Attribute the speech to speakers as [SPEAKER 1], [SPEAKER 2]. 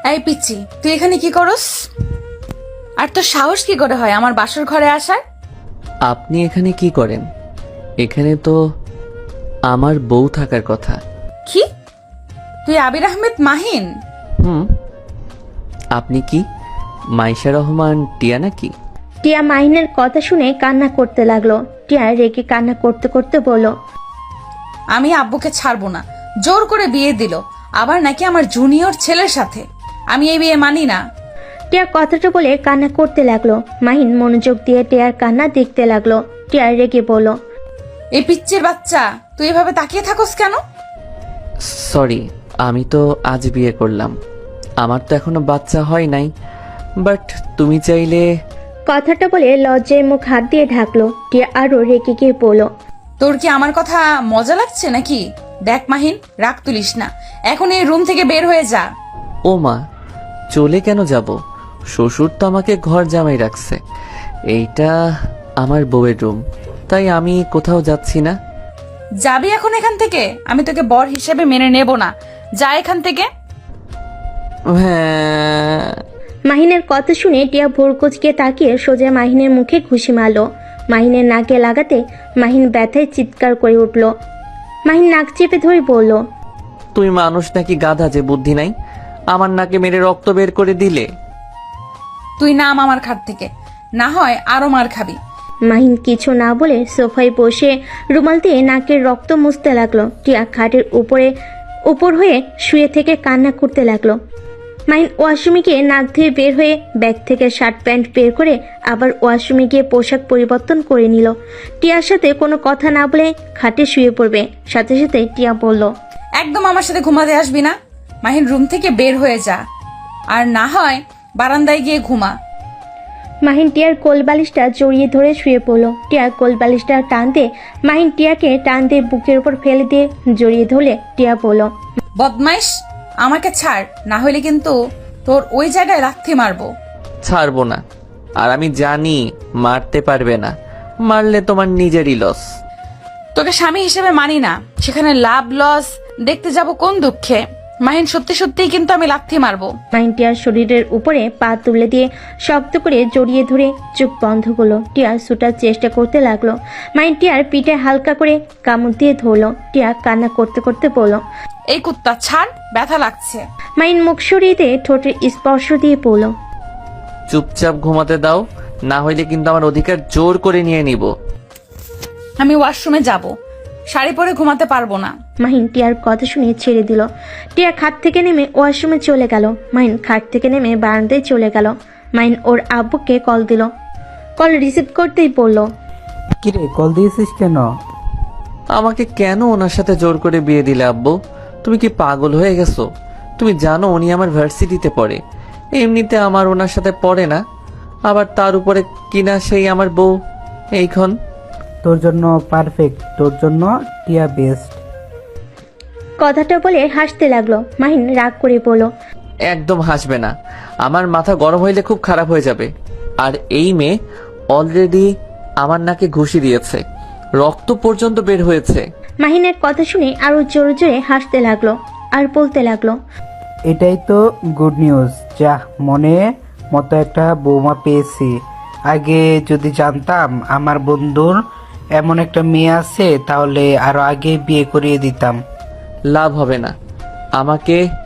[SPEAKER 1] এই পিচ্ছি, তুই এখানে কি করস? আর তোর সাহস কি করে হয় আমার বাসর ঘরে আসার?
[SPEAKER 2] আপনি এখানে কি করেন? এখানে তো আমার বউ থাকার কথা।
[SPEAKER 1] কি? তুই আবির আহমেদ মাহিন?
[SPEAKER 2] হুম। আপনি কি মাইশা রহমান টিয়া নাকি?
[SPEAKER 3] টিয়া মাহিনের কথা শুনে কান্না করতে লাগলো। টিয়া রেগে কান্না করতে করতে বলল,
[SPEAKER 1] আমি আব্বুকে ছাড়বো না, জোর করে বিয়ে দিল, আবার নাকি আমার জুনিয়র ছেলের সাথে। আমি এই বিয়ে মানি না।
[SPEAKER 3] টিয়া কথাটা বলে কান্না করতে লাগলো। মাহিন মনোযোগ দিয়ে টিয়ার কান্না দেখতে লাগলো। টিয়া রেগে বলল,
[SPEAKER 1] এই পিচ্চির বাচ্চা, তুই এভাবে তাকিয়ে থাকস কেন?
[SPEAKER 2] সরি, আমি তো আজ বিয়ে করলাম, আমার তো এখনো বাচ্চা হয় নাই। বাট তুমি চাইলে।
[SPEAKER 3] কথাটা বলে লজ্জায় মুখ হাত দিয়ে ঢাকলো। টিয়া আরো রেগে গিয়ে বলল,
[SPEAKER 1] তোর কি আমার কথা মজা লাগছে নাকি? দেখ মাহিন, রাগ তুলিস না, এখন এই রুম থেকে বের হয়ে যা।
[SPEAKER 2] ও মা, চলে কেন যাব? শ্বশুর তো আমাকে ঘর জামাই রাখছে, এইটা আমার বউয়ের রুম, তাই আমি কোথাও যাচ্ছি না।
[SPEAKER 1] যাবি এখন এখান থেকে? আমি তোকে বর হিসেবে মেনে নেব না, যা এখান থেকে।
[SPEAKER 2] হ্যাঁ।
[SPEAKER 3] মাহিনের কথা শুনে টিয়া ভোর কুচকে তাকিয়ে সোজা মাহিনের মুখে ঘুষি মারলো। মাহিনের নাকে লাগাতে মাহিন ব্যথায় চিৎকার করে উঠল। মাহিন নাক চেপে ধরে বলল,
[SPEAKER 2] তুই মানুষ নাকি গাধা যে বুদ্ধি নাই? আমার নাকে মেরে রক্ত বের করে দিলে।
[SPEAKER 1] তুই নাম আমার খাট থেকে, না হয় আরো মার খাবি।
[SPEAKER 3] মাহিন কিছু না বলে সোফায় বসে রুমাল দিয়ে নাকের রক্ত মুছতে লাগলো। টিয়া খাটের উপর হয়ে শুয়ে থেকে কান্না করতে লাগলো। মাহিন ওয়াশরুমে গিয়ে নাক ধুয়ে বের হয়ে ব্যাগ থেকে শার্ট প্যান্ট বের করে আবার ওয়াশরুমে গিয়ে পোশাক পরিবর্তন করে নিল। টিয়ার সাথে কোনো কথা না বলে খাটে শুয়ে পড়বে। সাথে সাথে টিয়া বলল,
[SPEAKER 1] একদম আমার সাথে ঘুমাতে আসবি না। মাহিন, রুম থেকে বের হয়ে যা, আর না হয় বারান্দায় গিয়ে ঘুমা।
[SPEAKER 3] মাহিন টিয়ার কোল বালিশটা জড়িয়ে ধরে শুয়ে পড়ল। টিয়ার কোল বালিশটা টান দিয়ে মাহিন টিয়াকে টান দিয়ে বুকের উপর ফেলে দিয়ে জড়িয়ে ধরলে টিয়া বলল,
[SPEAKER 1] বদমাইশ, আমাকে ছাড়, না হলে কিন্তু তোর ওই জায়গায় লাথি মারবো।
[SPEAKER 2] ছাড়বো না, আর আমি জানি মারতে পারবে না, মারলে তোমার নিজেরই লস।
[SPEAKER 1] তোকে স্বামী হিসেবে মানি না, সেখানে লাভ লস দেখতে যাব কোন দুঃখে? মাহিন, সত্যি সত্যিই কিন্তু আমি লাথি মারবো।
[SPEAKER 3] মাহিন টিয়ার শরীরের উপরে পা তুলে দিয়ে শক্ত করে জড়িয়ে ধরে চোখ বন্ধ করলো। টিয়া ছুটার চেষ্টা করতে লাগলো। মাহিন টিয়ার পিঠে হালকা করে কামড় দিয়ে ধরলো। টিয়া কান্না করতে করতে বলল,
[SPEAKER 1] এই কুত্তা ছাড়, ব্যথা লাগছে।
[SPEAKER 3] মাহিন মুখ সরিয়ে দিয়ে ঠোঁটের স্পর্শ দিয়ে বলল,
[SPEAKER 2] চুপচাপ ঘুমাতে দাও, না হইলে কিন্তু আমার অধিকার জোর করে নিয়ে নিব।
[SPEAKER 1] আমি ওয়াশরুমে যাব, শাড়ি পরে ঘুমাতে পারবো না।
[SPEAKER 3] মাহিন টিয়ার কথা শুনে ছেড়ে দিল। টিয়া খাট থেকে নেমে ওয়াশরুমে চলে গেল। মাহিন খাট থেকে নেমে বারান্দায় চলে গেল। মাহিন ওর আব্বুকে কল দিল। কল রিসিভ করতেই বলল,
[SPEAKER 4] কিরে, কল দিয়েছিস কেন?
[SPEAKER 2] আমাকে কেন ওনার সাথে জোর করে বিয়ে দিলে আব্বু? তুমি কি পাগল হয়ে গেছো? তুমি জানো উনি আমার ভার্সিটিতে পড়ে, এমনিতে আমার ওনার সাথে পড়ে না, আবার তার উপরে কিনা সেই আমার বউ। এইখন
[SPEAKER 4] তোর জন্য পারফেক্ট, তোর জন্য টিয়া বেস্ট।
[SPEAKER 3] কথাটা বলে হাসতে লাগলো। মাহিন রাগ করে বলল,
[SPEAKER 2] একদম হাসবে না, আমার মাথা গরম হইলে খুব খারাপ হয়ে যাবে। আর এই মেয়ে অলরেডি আমার নাকে ঘুষি দিয়েছে, রক্ত পর্যন্ত বের হয়েছে।
[SPEAKER 3] মাহিনের কথা শুনে আরো জোরে জোরে হাসতে লাগলো আর বলতে লাগলো,
[SPEAKER 4] এটাই তো গুড নিউজ। যা, মনে মতো একটা বৌমা পেয়েছি। আগে যদি জানতাম আমার বন্ধুর এমন একটা মেয়ে আছে, তাহলে আরো আগে বিয়ে করিয়ে দিতাম।
[SPEAKER 2] লাভ হবে না, আমাকে